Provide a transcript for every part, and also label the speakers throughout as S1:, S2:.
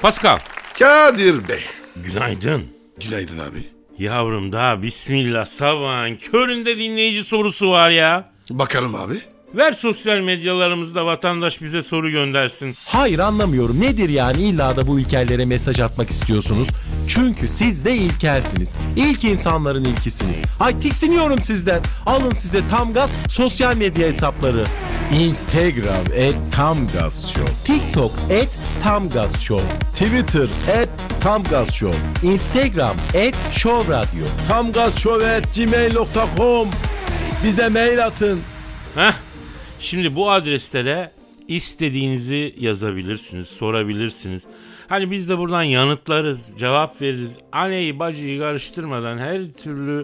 S1: Pascal.
S2: Kadir Bey.
S1: Günaydın.
S2: Günaydın abi.
S1: Yavrum daha bismillah sabahın köründe dinleyici sorusu var ya.
S2: Bakalım abi.
S1: Ver sosyal medyalarımızda vatandaş bize soru göndersin.
S3: Hayır anlamıyorum. Nedir yani illa da bu ilkellere mesaj atmak istiyorsunuz? Çünkü siz de ilkelsiniz. İlk insanların ilkisiniz. Ay tiksiniyorum sizden. Alın size tam gaz sosyal medya hesapları. Instagram @tamgazshow, TikTok @tamgazshow, Twitter @tamgazshow, Instagram @showradio, tamgazshow@gmail.com. Bize mail atın.
S1: Heh. Şimdi bu adreslere istediğinizi yazabilirsiniz, sorabilirsiniz. Hani biz de buradan yanıtlarız, cevap veririz. Anneyi bacıyı karıştırmadan her türlü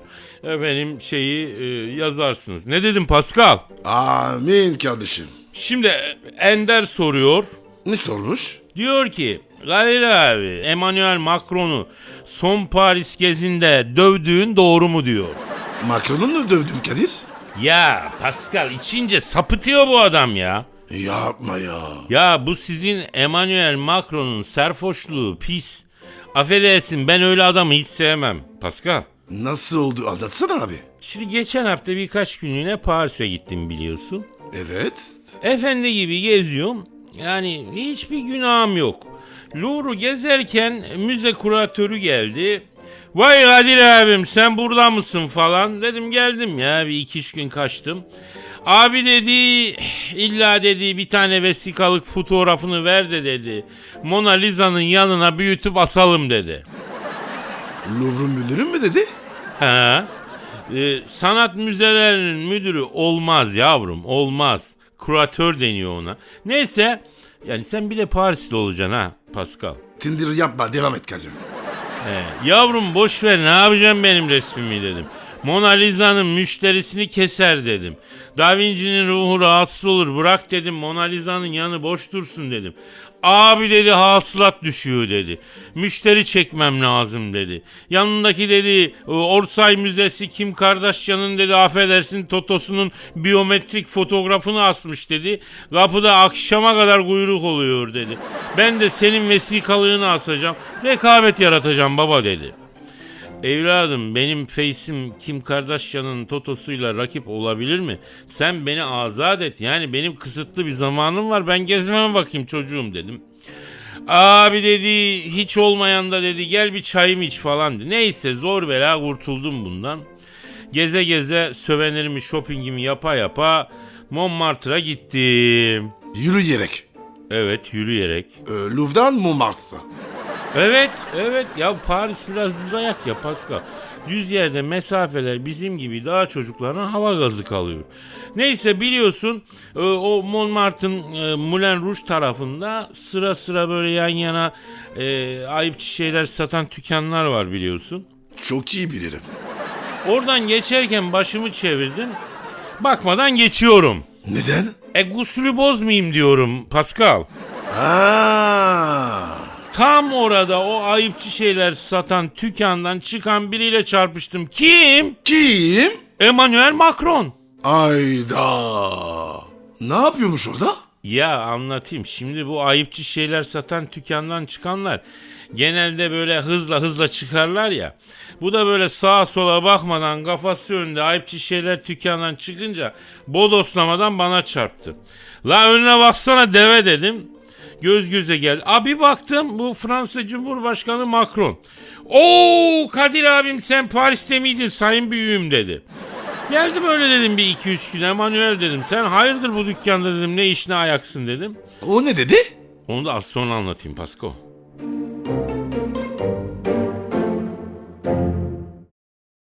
S1: yazarsınız. Ne dedim Pascal?
S2: Amin kardeşim.
S1: Şimdi Ender soruyor.
S2: Ne sormuş?
S1: Diyor ki Kadir abi Emmanuel Macron'u son Paris gezinde dövdüğün doğru mu diyor.
S2: Macron'u mu dövdün Kadir?
S1: Ya Pascal içince sapıtıyor bu adam ya.
S2: Yapma ya.
S1: Ya bu sizin Emmanuel Macron'un serfoşluğu pis. Affedersin ben öyle adamı hiç sevmem Pascal.
S2: Nasıl oldu anlatsana abi.
S1: Şimdi geçen hafta birkaç günlüğüne Paris'e gittim biliyorsun.
S2: Evet.
S1: Efendi gibi geziyorum. Yani hiçbir günahım yok. Louvre'u gezerken müze kuratörü geldi. Vay Kadir abim sen burada mısın falan. Dedim geldim ya bir 2-3 gün kaçtım. Abi dedi illa dedi bir tane vesikalık fotoğrafını ver de dedi. Mona Lisa'nın yanına büyütüp asalım dedi.
S2: Louvre müdürü mü dedi?
S1: He. Sanat müzelerinin müdürü olmaz yavrum olmaz. Kuratör deniyor ona. Neyse yani sen bir de Parisli olacaksın ha Pascal.
S2: Tindir yapma devam et Kadir.
S1: Yavrum boş ver ne yapacağım benim resmimi dedim. Mona Lisa'nın müşterisini keser dedim. Da Vinci'nin ruhu rahatsız olur bırak dedim. Mona Lisa'nın yanı boş dursun dedim. Abi dedi hasılat düşüyor dedi. Müşteri çekmem lazım dedi. Yanındaki dedi Orsay Müzesi Kim Kardashian'ın dedi affedersin Totosu'nun biyometrik fotoğrafını asmış dedi. Kapıda akşama kadar kuyruk oluyor dedi. Ben de senin vesikalığını asacağım. Rekabet yaratacağım baba dedi. Evladım benim face'im Kim Kardashian'ın totosuyla rakip olabilir mi? Sen beni azat et. Yani benim kısıtlı bir zamanım var. Ben gezmeme bakayım çocuğum dedim. Abi dedi hiç olmayan da dedi gel bir çayımı iç falan dedi. Neyse zor bela kurtuldum bundan. Geze geze sövenirimi shoppingimi yapa yapa Montmartre'a gittim.
S2: Yürüyerek.
S1: Evet yürüyerek.
S2: Louvre'dan Montmartre.
S1: Evet ya Paris biraz düz ayak ya Pascal. Düz yerde mesafeler bizim gibi daha çocuklarına hava gazı kalıyor. Neyse biliyorsun o Montmartre'ın Moulin Rouge tarafında sıra sıra böyle yan yana ayıpçı şeyler satan dükkanlar var biliyorsun.
S2: Çok iyi bilirim.
S1: Oradan geçerken başımı çevirdim. Bakmadan geçiyorum.
S2: Neden?
S1: Gusülü bozmayayım diyorum Pascal.
S2: Aa.
S1: Tam orada o ayıpçı şeyler satan dükkandan çıkan biriyle çarpıştım. Kim?
S2: Kim?
S1: Emmanuel Macron.
S2: Ayda. Ne yapıyormuş orada?
S1: Ya anlatayım. Şimdi bu ayıpçı şeyler satan dükkandan çıkanlar genelde böyle hızla çıkarlar ya. Bu da böyle sağa sola bakmadan kafası önünde ayıpçı şeyler dükkandan çıkınca bodoslamadan bana çarptı. La önüne baksana deve dedim. Göz göze geldi. Abi baktım bu Fransa Cumhurbaşkanı Macron. Oo Kadir abim sen Paris'te miydin sayın büyüğüm dedi. Geldim öyle dedim bir 2-3 gün Emmanuel dedim. Sen hayırdır bu dükkanda dedim ne işine ayaksın dedim.
S2: O ne dedi?
S1: Onu da az sonra anlatayım Pasko.